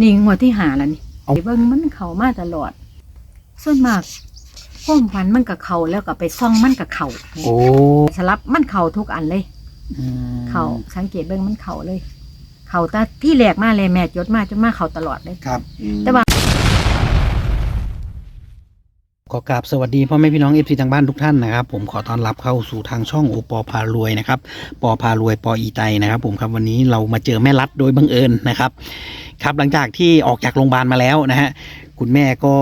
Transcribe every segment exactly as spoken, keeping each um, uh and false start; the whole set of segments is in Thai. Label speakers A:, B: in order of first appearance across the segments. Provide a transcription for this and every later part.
A: นี่งวดที่หาแล้วนี่เบิ่งมันเข้ามาตลอดส่วนมากพ่มพันมันกับเขาแล้วก็ไปซ่องมันกับเขาโอ้สลับมันเข่าทุกอันเลยเข่าสังเกตเบิ่งมันเข่าเลยเข่าแต่ที่แรกมาเลยแม่จดมาจนมาเข่าตลอดเลยครับแต่ว่า
B: ขอกราบสวัสดีพ่อแม่พี่น้องเอฟซีทางบ้านทุกท่านนะครับผมขอต้อนรับเข้าสู่ทางช่องโอปอพารวยนะครับปอพารวยปออีไตนะครับผมครับวันนี้เรามาเจอแม่รัดโดยบังเอิญนะครับครับหลังจากที่ออกจากโรงพยาบาลมาแล้วนะฮะคุณแม่ก็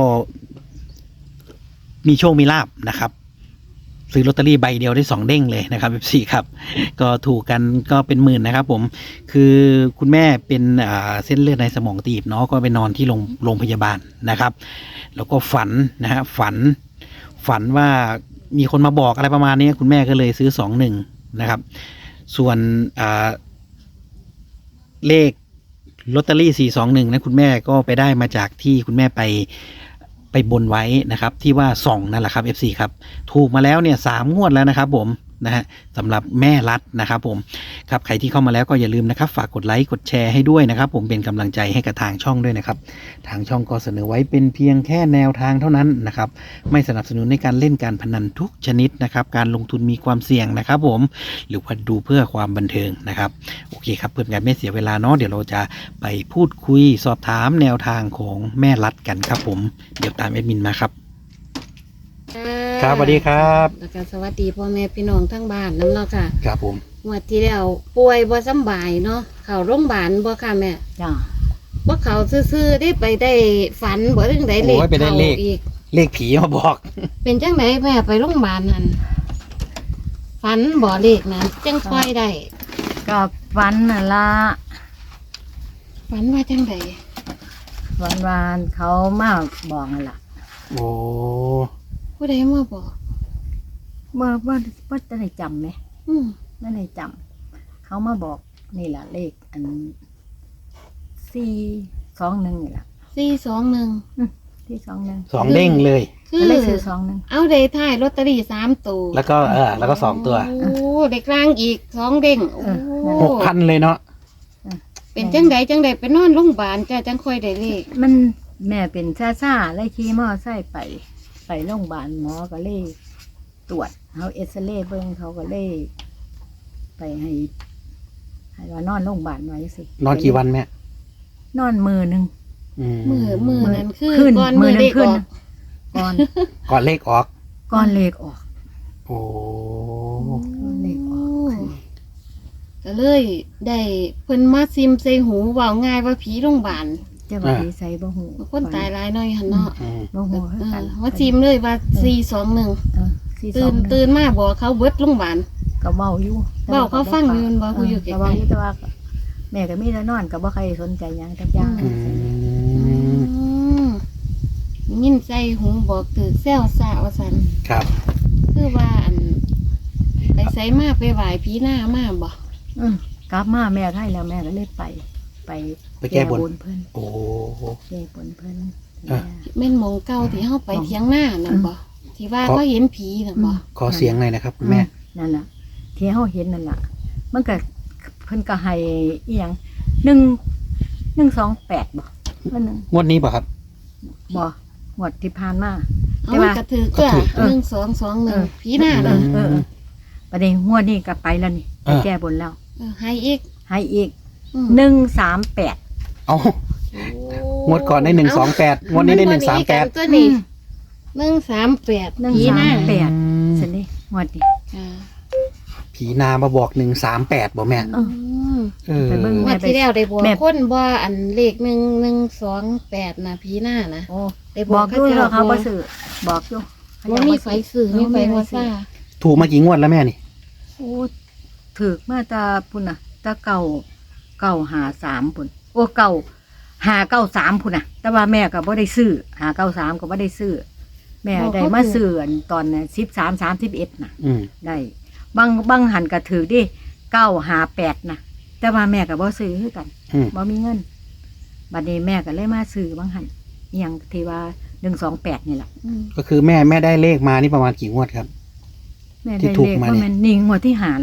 B: มีโชคมีลาภนะครับซื้อลอตเตอรี่ใบเดียวได้สองเด้งเลยนะครับเอฟซีครับก็ถูกกันก็เป็นหมื่นนะครับผมคือคุณแม่เป็นเส้นเลือดในสมองตีบเนาะก็ไปนอนที่โรงโรงพยาบาลนะครับแล้วก็ฝันนะฮะฝันฝันว่ามีคนมาบอกอะไรประมาณนี้คุณแม่ก็เลยซื้อสองหนึ่งนะครับส่วนเลขลอตเตอรี่สี่สองหนึ่งนะคุณแม่ก็ไปได้มาจากที่คุณแม่ไปไปบนไว้นะครับที่ว่าส่องนั่นแหละครับ เอฟ ซี ครับถูกมาแล้วเนี่ยสามงวดแล้วนะครับผมนะฮะสำหรับแม่รัดนะครับผมครับใครที่เข้ามาแล้วก็อย่าลืมนะครับฝากกดไลค์กดแชร์ให้ด้วยนะครับผมเป็นกำลังใจให้กับทางช่องด้วยนะครับทางช่องก็เสนอไว้เป็นเพียงแค่แนวทางเท่านั้นนะครับไม่สนับสนุนในการเล่นการพนันทุกชนิดนะครับการลงทุนมีความเสี่ยงนะครับผมหรือว่าดูเพื่อความบันเทิงนะครับโอเคครับเพื่อการไม่เสียเวลาเนาะเดี๋ยวเราจะไปพูดคุยสอบถามแนวทางของแม่รัดกันครับผมเดี๋ยวตามแอดมินมาครับครับสวัสดีครับ
C: แล้วก็สวัสดีพ่อแม่พี่น้องทั้งบ้านนั่นเนาะค่ะ
B: ครับผม
C: งวดที่แล้วป่วยบ่สบายเนาะเข้าโรงพยาบาลบ่ค่ะแม่
A: จ้า
C: บ่เข้าซื่อๆได้ไปได้ฝันบ่ถึงได้เลขเข้าอีก
B: เลขผีมาบอก
C: เป็นจังไดแม่ไปโรงพยาบาลนั่นฝันบ่เลขนั้นจังค่อยได้
A: ก็ฝันน่ะล่ะ
C: ฝันว่าจังได
A: วันวานเขามาบอกนั่นล่ะ
B: โอ้
C: ผู้ใดมาบอก
A: ว่าว่าว่าจะได้จำไหม
C: อืม
A: ไม่ได้จำเขามาบอกนี่แหละเลขอันสี่สองหนึ่งนี่แหละ
C: สี่สองหนึ่ง
A: ที่สองหนึ่ง
B: สองเด้งเลย
C: คือ
A: เลขสี่สองหนึ่ง
C: เอาได้ท้ายลอตเตอรี่สามตัว
B: แล้วก็เออแล้วก็สองตัว
C: โอ้เด็กกลางอีกสองเด้งโอ้
B: หกพันเลยเนาะ
C: เป็นจังไดจังไดไปนอนโรงพยาบาลจ้าจังค่อยได้เลข
A: มันแม่เป็นซ่าซ่าไล่ขี่มอไซค์ไปไปโรงพยาบาลหมอก็เลยตรวจเขาเอ็กซเรย์เบิ้งเขาก็เลยไปให้ให้ว่านอนโรงพยาบาลไว้สิ
B: นอนกี่วันแม่
A: นอนมือหนึ่ง
C: มือมือนั้นคือก่อนมือเลขออก
A: ก่อน
B: ก่อนเลขออก
A: ก่อนเลขออก
B: โอ้
A: ก่อนเลขออก
C: ก็เลยได้เพิ่นมาซิมใส่หูว่าง่ายว่าผีโรงพยาบาล
A: จะว่าผีใส่บ่หู
C: คนตายหลายหน่อยหั่นเนาะ
A: บ่หูคือกัน
C: ว่าซิมเลยว่าสี่สองหนึ่งตื่นตื่นมาบอกเขาเบิดโรงพยาบาล
A: ก็เว้าอยู่
C: เว้าเขาฟังอยู่บ่ผู้อยู่ไกลๆ
A: แต่ว่าแม่ก็มีแต่นอนก็บ่ใครสนใจหยังจักอย่าง
C: ยินใจหูบอกถือแซวซะว่าซั่น
B: ครับ
C: คือว่าอันไปไสมาไปไหว้ผีหน้ามาบ่
A: อือกลับมาแม่ไทยแล้วแม่ก็เลยไปไป
B: ไปแก้บน
A: เพิ่น
B: โอ้
A: แก้บนเพิ่น
C: แม่นหม่องเก่าที่เฮาไปเถียงหน้านั่นบ่ที่ว่าเขาเห็นผีนั่นบ่
B: ขอเสียงหน่อยนะครับคุณแม่
A: นั่นน่ะที่เฮาเห็นนั่นล่ะมันก็เพิ่นก็ให้อีหยังหนึ่ง หนึ่ง สอง แปดบ่เพิ่นนึง
B: งวดนี้บ่ครับ
A: บ่งวดที่ผ่านมา
C: แต่ว่าก็ถือก็หนึ่ง สอง สอง หนึ่งผีหน้าเด้อ
A: เออประเดี๋ยวงวดนี้ก็ไปแล้วนี่ไปแก้บนแล้ว
C: ให้อีก
A: ให้อีกหนึ่ง สาม แปด
B: เอ้างวดก่อนได้หนึ่ง สอง แปดงวดนี้ได้หนึ่ง สาม แปด
C: ตัวนี้หนึ่ง สาม แปดผีหน้า
A: แปดซั่นนี่งวดนี้
B: ผีนามาบอกหนึ่ง สาม แปดบ่แม่
C: เออไปเบิ่งว่าที่แล้วได้บอกคนบ่อันเลขหนึ่ง หนึ่ง สอง แปดน่ะผีหน้านะ
A: โอ้ได้บอกอยู่เขาบ่ซื้อบอกอยู่
C: บ่มีไฟซื้อมีไฟว่าซ่า
B: ถูกมากี่งวดแล้วแม่นี่
A: โอ้ถูกมาตาพุ่นน่ะตาเก่าเก่าหาสามพุ่นโอ้เก่าหาเก้าสามพุ่นน่ะแต่ว่าแม่ก็บ่ได้ซื้อหาเก้าสามก็บ่ได้ซื้อแม่ได้มาซื้อตอนสิบสาม สามสิบเอ็ดน่ะได้บางบางหันก็ถือดิเก้าหาแปดน่ะแต่ว่าแม่ก็บ่ซื้อคือกันบ่มีเงินบัดนี้แม่ก็เลยมาซื้อบางหันอหยังที่ว่าหนึ่ง สอง แปดนี่แหละ
B: ก็คือแม่แม่ได้เลขมานี่ประมาณกี่งวดครับ
A: แม่ได้เลขว่ามันนี่งวดที่หาแล้วนี่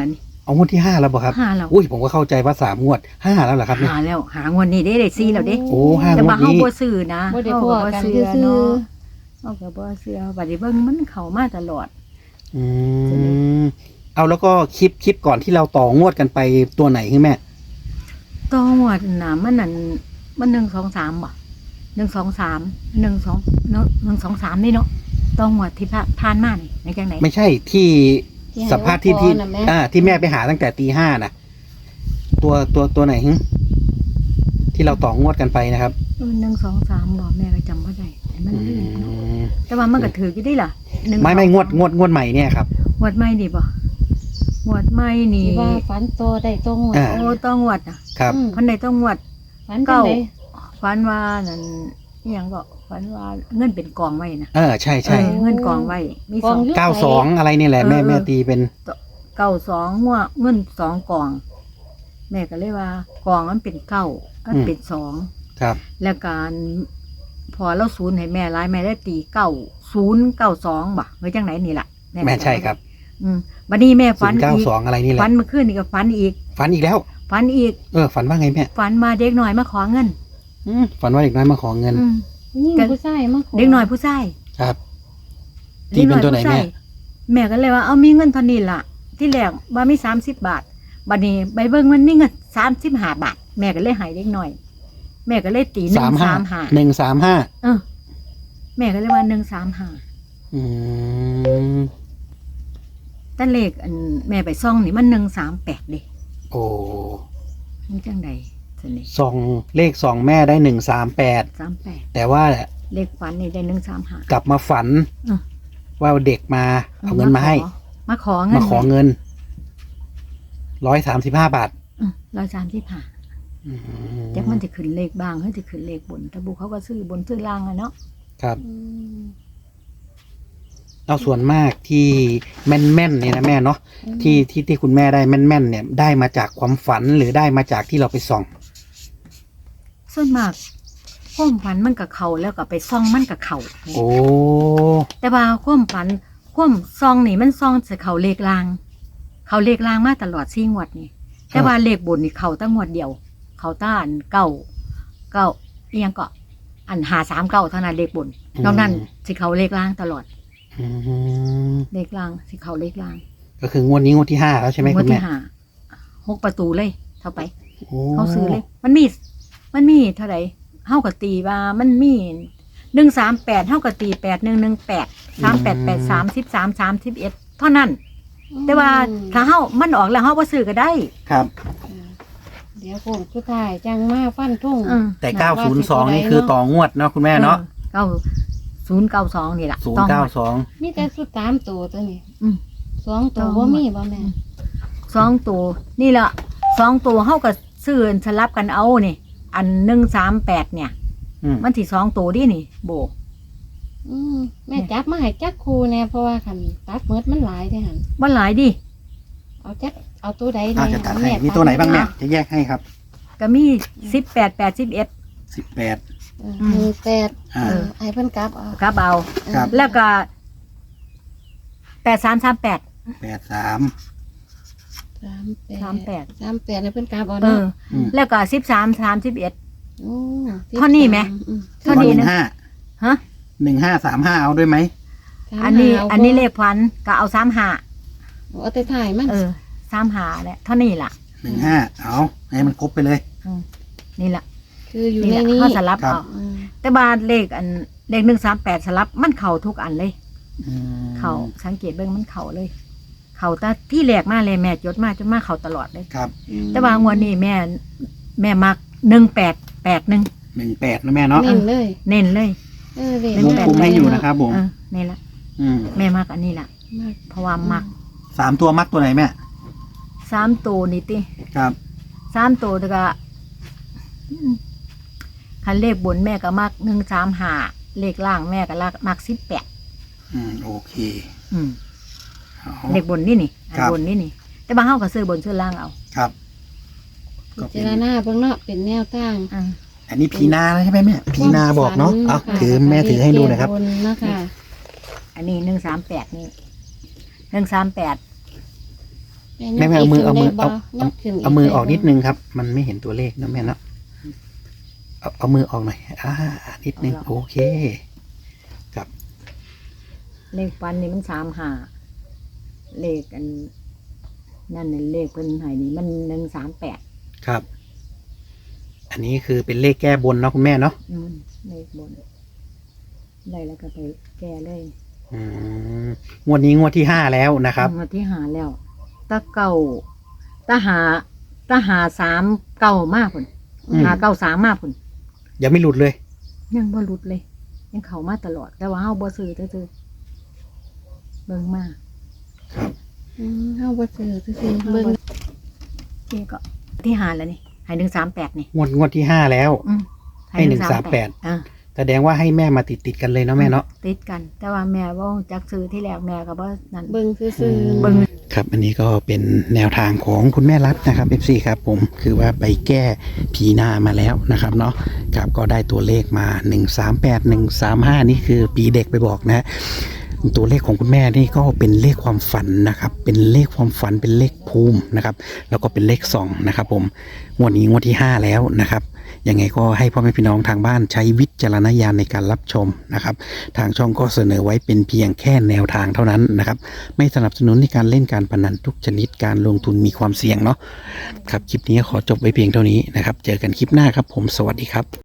B: เอางวดที่ห้าแล้วบ่ครับ
A: ห้าแล้ว
B: อุ้ยผมก็เข้าใจว่าสามงวดห้าแล้วเหรอครับเนี่ย
A: หาแล้วหางวดนี้ได้ได้ซีแล้วเด้
B: โอ้ห้าง
A: แต่
B: ว
A: ว่า
B: ด
A: เฮา
B: นี้
A: บ่ซื้อนะ
C: บ่ได้
A: เฮา
C: พอ
A: ก็บ่
C: กัน
A: ซื้
C: ซื่
A: อ
C: อ
A: เนาะเฮาก็บ่ซื้อบัดนี้เบิ่งมันเข้ามาตลอด
B: อืมเอาแล้วก็คลิปคลิปก่อนที่เราต่องวดกันไปตัวไหนคือแม่
A: ต่องวดน่ะมันนั่นมันหนึ่ง สอง สามบ่หนึ่ง สอง สาม หนึ่ง สองเนาะหนึ่ง สอง สามนี่เนาะต่องวดที่ผ่านมานี่ในจังไหน
B: ไม่ใช่ที่
C: ที่ให้
B: สัมภาษณ์ที่
C: โอปอ
B: ที่
C: น่ะแม่
B: อ่าที่แม่ไปหาตั้งแต่ตีห้าน่ะ ตัวตัวตัวไหนหึที่เราต่องวดกันไปนะครับ
A: เออหนึ่ง สอง สามบ่แม่ก็จำบ่ได้แต่มัน
B: อื
A: ลืมเนาะ
B: ม
A: แต่ว่ามันก็ถืออยู่ได้ล่ะหนึ่ง
B: ไม่ไม่
A: สอง
B: งวดงวดงวดใหม่เนี่ยครับ
A: งวดใหม่นี่บ่งวดใหม่นี่
C: ที่ว่าฝันโตได้ตรง
B: อ่า
A: โอ้ต้องงวดอ่ะ
B: ครับ
C: อืม
A: เพันใดต้องงวด
C: ฝันจังได๋
A: ฝันว่านั่นอิหยังก็ฝันว่าเงินเป็นกองไว้นะ
B: เออใช่ใช่
A: เออเงินกองไว้มี
C: ก
A: ส
C: อ
A: อง ง
C: อยู่
B: เก้าสองอะไรนี่แหละแม่
A: เออ
B: แม่ตีเป็น
A: เก้าสองหัวเงินสองกอง แม่ก็เลยว่ากองมันเป็นเก้ามันเป็นสอง
B: ครับ
A: แล้วการพอเราศูนย์ให้แม่ร้ายแม่ได้ตีเก้าศูนย์เก้าสองบ่ไว้จังไหนนี่ล่ะ
B: แม่ใช่ครับ
A: อืมบัดนี้แม่
B: ศู
A: ฝัน
B: นย์เก้า
A: อีก
B: สองอะไรนี่แหละ
A: ฝันเมื่อคืนนี่ก็ฝันอีก
B: ฝันอีกแล้ว
A: ฝันอีก
B: เออฝันว่าไงแม่
A: ฝันมาเด็กหน่อยมาขอเงิน
B: อืมฝันว่าเด็กน้อยมาขอเงิน
A: อืม
C: นี่ผู้ชายมาขอ
A: เด็กหน่อยผู้ชาย
B: ครับ ตีเป็นตัวไหนแม่
A: แม่ก็เลยว่าเอามีเงินเท่านี้ล่ะ ที่แรกว่ามีสามสิบบาทบัดนี้ใบเบิ้งมันมีเงินสามสิบห้าบาท แม่ก็เลยใหายเล็กหน่อย แม่ก็เลยตีหนึ่
B: สาม
A: ง
B: ห้า
A: สามห้า
B: หนึ่งสามห้า
A: เออ แม่ก็เลยว่าหนึ่งสามห้า
B: อืม
A: แต่เลขอันแม่ไปซ่องนี่มันหนึ่งสามแปดเด้
B: โอ้
A: มันจังใดสนิ
B: สองเลขสองแม่ได้หนึ่งสามแปด
A: สามแปด
B: แต่ว่า
A: เลขฝันนี่ได้หนึ่งสามห้าก
B: ลับมาฝัน
A: อืม
B: ว่าเด็กมาเอาเงินมาให้
A: มาขอเงิน
B: มาขอเงินร้อยสามสิบห้าบาท
A: ร้อยสามสิบห้า
B: อืม
A: จักมันจะขึ้นเลขบ้างเขาจะขึ้นเลขบนแต่บุเขาก็ซื้อบนซื้อล่างอะเนาะ
B: ครับ
C: อืม
B: เอาส่วนมากที่แม่นแม่นๆเนี่ยนะแม่เนาะที่ที่ที่คุณแม่ได้แม่นแม่นๆเนี่ยได้มาจากความฝันหรือได้มาจากที่เราไปส่อง
A: ส่วนมากความฝันมันกับเขาแล้วก็ไปซ่องมันกับเขา
B: โอ้
A: แต่ว่าความฝันความซองนี่มันซองจะเขาเลขลาง เขาเลขลางมาตลอดสี่งวดนี่แต่ว่าเลขบนนี่เขาตั้งงวดเดียว เขาต้าอันเก้าเก้าเอียงก็อันหาสามเก้าเท่านั้นเลขบนนอกนั้นสิเขาเลขลางตลอด
B: อืม
A: เลขลางสิเขาเลขลาง
B: ก็คืองวดนี้งวดที่ห้าแล้วใช่ไหม
A: ง
B: คุ
A: วด
B: ณแม่
A: ที่ห้าหกประตูเลยเท่าไป
B: โอ้
A: เขาซื้อเลย มันมี มันมีเท่าไหร่เท่ากับตีว่ามันมีหนึ่งสามแปดเท่ากับตีแปดหนึ่งหนึ่งแปดสามแปดแปดสามสิบสามสามสิบเอ็ดเท่านั้น แต่ว่าถ้าเฮามันออกแล้วเฮาบ่ซื้อก็ได้
B: ครับ
C: เดี๋ยวผมสุดท้ายจังมาฟันทุ่ง
A: อืม
B: แต่เก้าศูนย์สองนี่คือต่องวดเนาะคุณแม่เนาะ
A: เก้าศูนย์เก้าสองนี่แหละ
B: ศูนย์เก้าสอง
C: มีแต่สุดสามตัวตัวนี้
A: อืม
C: สองตัวบ่มีบ่แม่
A: สองตัวนี่ละสองตัวเฮาก็ซื้อสลับกันเอานี่ อันหนึ่งสามแปดเนี่ย
B: อืม
A: มันสิสองตัวดินี่ โบ
C: อืมแม่จับมาให้จักครูแน่เพราะว่าคันตัดเมิดมันหลายเด้หั่น
A: บ่หลายดิ
C: เอาจักเอาตัวใด
B: อาจ
C: แน่
B: จะตัด
C: เอา
B: ให้
C: แม่
B: มีตัวไหนบ้างแม่
C: ตัด
B: จะแยกให้ครับ
A: ก็มีสิบแปดแปดสิบเอ็ด
B: สิบแปด
C: เออหนึ่งแปด
B: อ่า
C: เออให้เพิ่นกลับเอา
A: ครับเอา
B: ครับ
A: แล้วก็แปดสามสามแปด
B: แปดสาม
C: สามแปด
A: สามแปด
C: สามแปดให้เพิ่นกลับเอา
A: เอ
C: เนาะ
A: อ
B: อืม
A: แล้วก็สิบสามสามสิบเอ็ด
C: โอ้
A: เท่านี้ไหม
C: อืม
A: เท่านี้
B: หนึ่
A: นะ
B: งห้า
A: ฮะ
B: หนึ่งห้าสามห้าเอาด้วยไหม
A: อันนี้
C: ถามหา
A: อันนี้เลขพันก็เอาสามหา
C: เอาแต่ถ่ายมัน
A: เออสามหาแหละเท่านี้ล่ะ
B: หนึ่งห้าเอาให้มันครบไปเลย
A: อืมนี่ล่ะ
C: คืออยู่
A: นี่
C: ใน
A: แหละ
C: นี้
A: เขาสลับ
B: ครับ
A: เอา
C: อืม
A: แต่บาเลขอันเลขหนึ่งสามแปดสลับมันเข่าทุกอันเลย
B: อืม
A: เข่าสังเกตเบิ่งมันเข่าเลย เข่าแต่ที่แรกมาเลยแม่จดมาจนมาเข่าตลอดเลย
B: ครับ
A: แต่บางวันนี้แม่ แม่มักหนึ่งแปดแปดหนึ่ง
B: หนึ่งแปดนะแม่เนาะ
C: เน้นเลย
A: เน้นเลย
C: เออเด็ก
A: หนึ่ง
B: วง
A: แปด
B: กลมให้อยู่นะครับผม
A: เออนี่ละ
B: อืม
A: แม่มักอันนี้ล่ะ
C: มาก
A: เพราะว่ามัก
B: สามตัวมักตัวไหนแม่
A: สามตัวนี่ติ
B: ครับ
A: สามตัวแต่ก็อืมคันเลขบนแม่ก็มักหนึ่งสามหาเลขล่างแม่ก็ลักมักสิบแปด
B: อืมโอเค
A: อืม
B: เอา
A: เลขบนนี่นี่อัน
B: ครับ
A: บนนี่นี่ แต่บางเฮาก็ซื้อบนซื้อล่างเอา
B: ครับ
C: พิจารณาเบิ่งเนาะเป็นแนวทาง
A: อ่า
B: อันนี้พีนาใช่ไหมแม่พีนาบอกเนาะเอา
C: ค่ะ
B: ถือแม่ถือให้ดูหนะครับ
C: เก็บนนะคะ
A: อันนี้หนึ่งสามแปดนี่หนึ่งสามแปด
B: แม่แม่เอามือเอามือเอา
C: ยกขึ้น
B: เอามือออกนิดนึงครับ มันไม่เห็นตัวเลขนะแม่เนาะเอาเอามือออกหน่อยอ่านิดนึงโอเคครับ
A: เลขฟันนี่มันสามหาเลขอันนั่นน่ะเลขเพิ่นให้นี่มันหนึ่งสามแปด
B: ครับ อันนี้คือเป็นเลขแก้บนเนาะคุณแม่เนาะ
A: อืมเลขบนได้แล้วก็ไปแก้เลย
B: อืมงวดนี้งวดที่ห้าแล้วนะครับ
A: งวดที่หาแล้วตะเก่าตะหาตะหาสามเก่ามากพุ่น
B: อืม
A: หาเก่าสามมากพุ่น
B: ยังไม่หลุดเลย
A: ยังบ่หลุดเลย ยังเข้ามาตลอด แต่ว่าเฮาบ่ซื้อซื่อๆเบิ่งมา
B: ครับ
C: อืมเฮาบ่ซื้อซื่อๆเบิ่ง
A: นี่ก็ที่หาแล้วนี่ให้หนึ่งสามแปดนี่
B: งวดงวดที่ห้าแล้ว
A: อืม
B: ให้หนึ่งสามแปด
A: อ่า
B: แสดงว่าให้แม่มาติดติดๆกันเลยเนาะแม่เนาะ
A: ติดกัน แต่ว่าแม่ว่าจักซื้อที่แรกแม่ก็บ่นั่น
C: เบิ่งซื่อ
B: อืม
C: ๆ
A: เบิ่ง
B: ครับ อันนี้ก็เป็นแนวทางของคุณแม่รัฐนะครับ เอฟ ซี ครับผมคือว่าไปแก้ผีหน้ามาแล้วนะครับเนาะครับก็ได้ตัวเลขมาหนึ่งสามแปด หนึ่งสามห้านี่คือปีเด็กไปบอกนะฮะตัวเลขของคุณแม่นี่ก็เป็นเลขความฝันนะครับ เป็นเลขความฝันเป็นเลขภูมินะครับ แล้วก็เป็นเลขสองนะครับ ผมงวดนี้งวดที่ห้าแล้วนะครับยังไงก็ให้พ่อแม่พี่น้องทางบ้านใช้วิจารณญาณในการรับชมนะครับ ทางช่องก็เสนอไว้เป็นเพียงแค่แนวทางเท่านั้นนะครับ ไม่สนับสนุนในการเล่นการพนันทุกชนิดการลงทุนมีความเสี่ยงเนาะครับคลิปนี้ขอจบไว้เพียงเท่านี้นะครับ เจอกันคลิปหน้าครับผมสวัสดีครับ